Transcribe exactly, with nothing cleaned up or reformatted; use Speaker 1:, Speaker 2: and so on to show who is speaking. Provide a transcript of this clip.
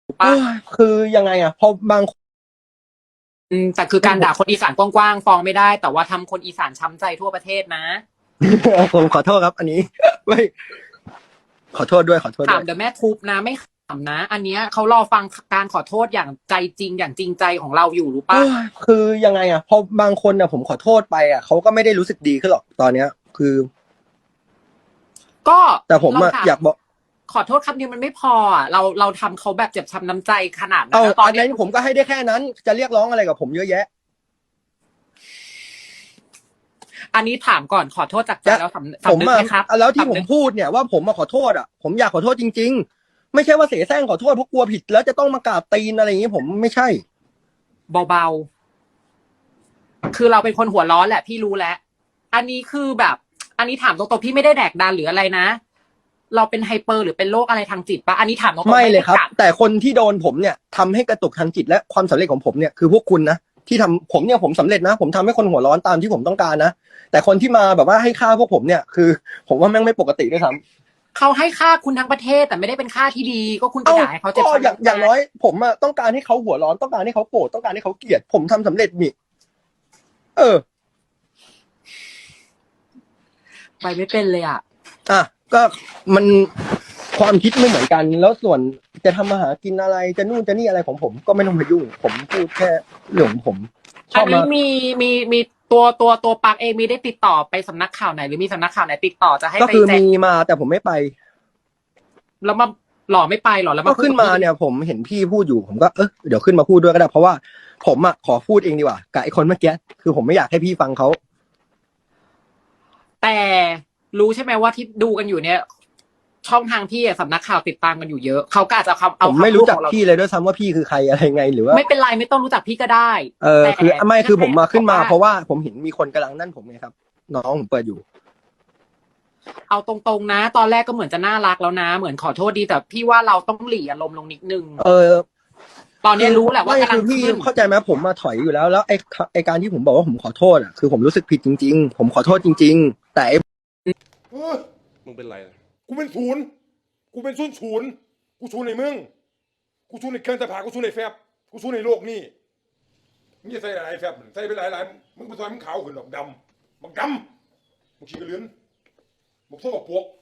Speaker 1: เอ
Speaker 2: ปะ
Speaker 1: อคือยังไงอ่ะพอบางคน
Speaker 2: อืมแต่คือการด่าคนอีสานกว้างๆฟ้องไม่ได้แต่ว่าทำคนอีสานช้ำใจทั่วประเทศนะ
Speaker 1: ผมขอโทษครับอันนี้ไม่ขอโทษด้วยขอโทษด้วย
Speaker 2: ถามเดี๋ยวแม่ทุบนะไม่ขำนะ อันเนี้ยเขารอฟังการขอโทษอย่างใจจริงอย่างจริงใจของเราอยู่รู้
Speaker 1: เอ
Speaker 2: ปะ
Speaker 1: อคือยังไงอ่ะพอบางคนอ่ะผมขอโทษไปอ่ะเขาก็ไม่ได้รู้สึกดีขึ้นหรอกตอนเนี้ยคือ
Speaker 2: ก็
Speaker 1: แต่ผม
Speaker 2: เราถาม
Speaker 1: อ่ะอยากบอก
Speaker 2: ขอโทษคำเดียวมันไม่พออ่ะเราเราทำเขาแบบเจ็บช้ำน้ำใจขนาดนั้
Speaker 1: เอา
Speaker 2: นแล้วตอน
Speaker 1: อัน
Speaker 2: เนี้ย
Speaker 1: นั้นผมก็ให้ได้แค่นั้นจะเรียกร้องอะไรกับผมเยอะแยะ
Speaker 2: อันนี้ถามก่อนขอโทษจากใจ
Speaker 1: จะ
Speaker 2: แล้วสำ
Speaker 1: ผม
Speaker 2: สำนึก
Speaker 1: อ่ะ
Speaker 2: ไหมครับ
Speaker 1: แล้วที่
Speaker 2: สำนึก
Speaker 1: ผมพูดเนี่ยว่าผมมาขอโทษอ่ะผมอยากขอโทษจริงๆไม่ใช่ว่าเสแสร้งขอโทษเพราะกลัวผิดแล้วจะต้องมากราบตีนอะไรอย่างนี้ผมไม่ใช่
Speaker 2: เบาๆคือเราเป็นคนหัวร้อนแหละพี่รู้แล้วอันนี้คือแบบ อันนี้ถามตรงๆพี่ไม่ได้แดกดันหรืออะไรนะเราเป็นไฮเปอร์หรือเป็นโรคอะไรทางจิตปะอันนี้ถามตรงๆ
Speaker 1: ไม่
Speaker 2: ไม่
Speaker 1: เลยครับ
Speaker 2: ได้กัด
Speaker 1: แต่คนที่โดนผมเนี่ยทำให้กระตุกทางจิตและความสำเร็จของผมเนี่ยคือพวกคุณนะที่ทำผมเนี่ยผมสำเร็จนะผมทำให้คนหัวร้อนตามที่ผมต้องการนะแต่คนที่มาแบบว่าให้ค่าพวกผมเนี่ยคือผมว่าแม่งไม่ปกติด้วยซ้ำ
Speaker 2: เขาให้ค่าคุณทั้งประเทศแต่ไม่ได้เป็นค่าที่ดีก็คุณไป
Speaker 1: เอ้า
Speaker 2: ด่าให้เขาเจ็
Speaker 1: ก็
Speaker 2: บช้ำ
Speaker 1: อย่าง
Speaker 2: น้ำใจ
Speaker 1: อย่างน้อยผมอะต้องการให้เขาหัวร้อนต้องการให้เขาโกรธต้องการให้เขาเกลียดผมทำสำเร็จนี่เออ
Speaker 2: ไปไม่เป็นเลยอ่ะ
Speaker 1: อ่ะก็มันความคิดไม่เหมือนกันแล้วส่วนจะทำมาหากินอะไรจะนู่นจะนี่อะไรของผมก็ไม่ต้องมายุ่งผมพูดแค่เรื่องของผมช
Speaker 2: อันนี้
Speaker 1: อบมา
Speaker 2: มีมีมีตัวตัวตัวปักเองมีได้ติดต่อไปสำนักข่าวไหนหรือมีสำนักข่าวไหนติดต่อจะให้
Speaker 1: ก็คือ
Speaker 2: ไปแจ้ง
Speaker 1: มีมาแต่ผมไม่ไป
Speaker 2: แล้วมาหล่อไม่ไปหรอแล้ว
Speaker 1: ก็
Speaker 2: มาพูด
Speaker 1: ขึ้นมา
Speaker 2: กับพี่
Speaker 1: เนี่ยผมเห็นพี่พูดอยู่ผมก็เออเดี๋ยวขึ้นมาพูดด้วยก็ได้เพราะว่าผมอ่ะขอพูดเองดีกว่ากับไอ้คนเมื่อกี้คือผมไม่อยากให้พี่ฟังเขา
Speaker 2: แต่รู้ใช่ไหมว่าที่ดูกันอยู่เนี่ย ช่องทางพี่อะสำนักข่าวติดตามกันอยู่เยอะเขาก็อาจจะคำ
Speaker 1: ผ
Speaker 2: เอา
Speaker 1: มไม่
Speaker 2: คำพูดของเรา
Speaker 1: รู้จักพี่เลยด้วยซ้ำว่าพี่คือใครอะไรไงหรือว่า
Speaker 2: ไม่เป็นไรไม่ต้องรู้จักพี่ก็ได้
Speaker 1: เออ
Speaker 2: แต่
Speaker 1: คือไม่คือผมมาขึ้นมาเพราะ
Speaker 2: ว่า
Speaker 1: ว่าผมเห็นมีคนกำลังนั่นผมไงครับน้องผมเปิดอยู่
Speaker 2: เอาตรงๆนะตอนแรกก็เหมือนจะน่ารักแล้วนะเหมือนขอโทษดีแต่พี่ว่าเราต้องหลีอารมณ์ลงนิดนึง
Speaker 1: เออ
Speaker 2: ตอนนี้รู้แหละว่า
Speaker 1: ไม่
Speaker 2: กำลัง
Speaker 1: คือพี่
Speaker 2: ขึ้น
Speaker 1: เข้าใจไหมผมมาถอยอยู่แล้วแล้วไอ้ไอ้การที่ผมบอกว่าผมขอโทษอ่ะคือผมรู้สึกผิดจริงๆผมขอโทษจริงๆแต่ไอ้
Speaker 3: เออมึงเป็นไรล่ะกูเป็นศูนย์กูเป็นศูนย์ศูนย์กูศูนย์ในมึงกูศูนย์ในเครื่องสภากูศูนย์ในแฟบกูศูนย์ในโลกนี่มึงจะใส่หลายแฟบใส่ไปหลายหลายมึงไปซอยมึงขาวขึ้นดอกดำบักดำมึงขี้กระเลือนมึงโซ่กับพวก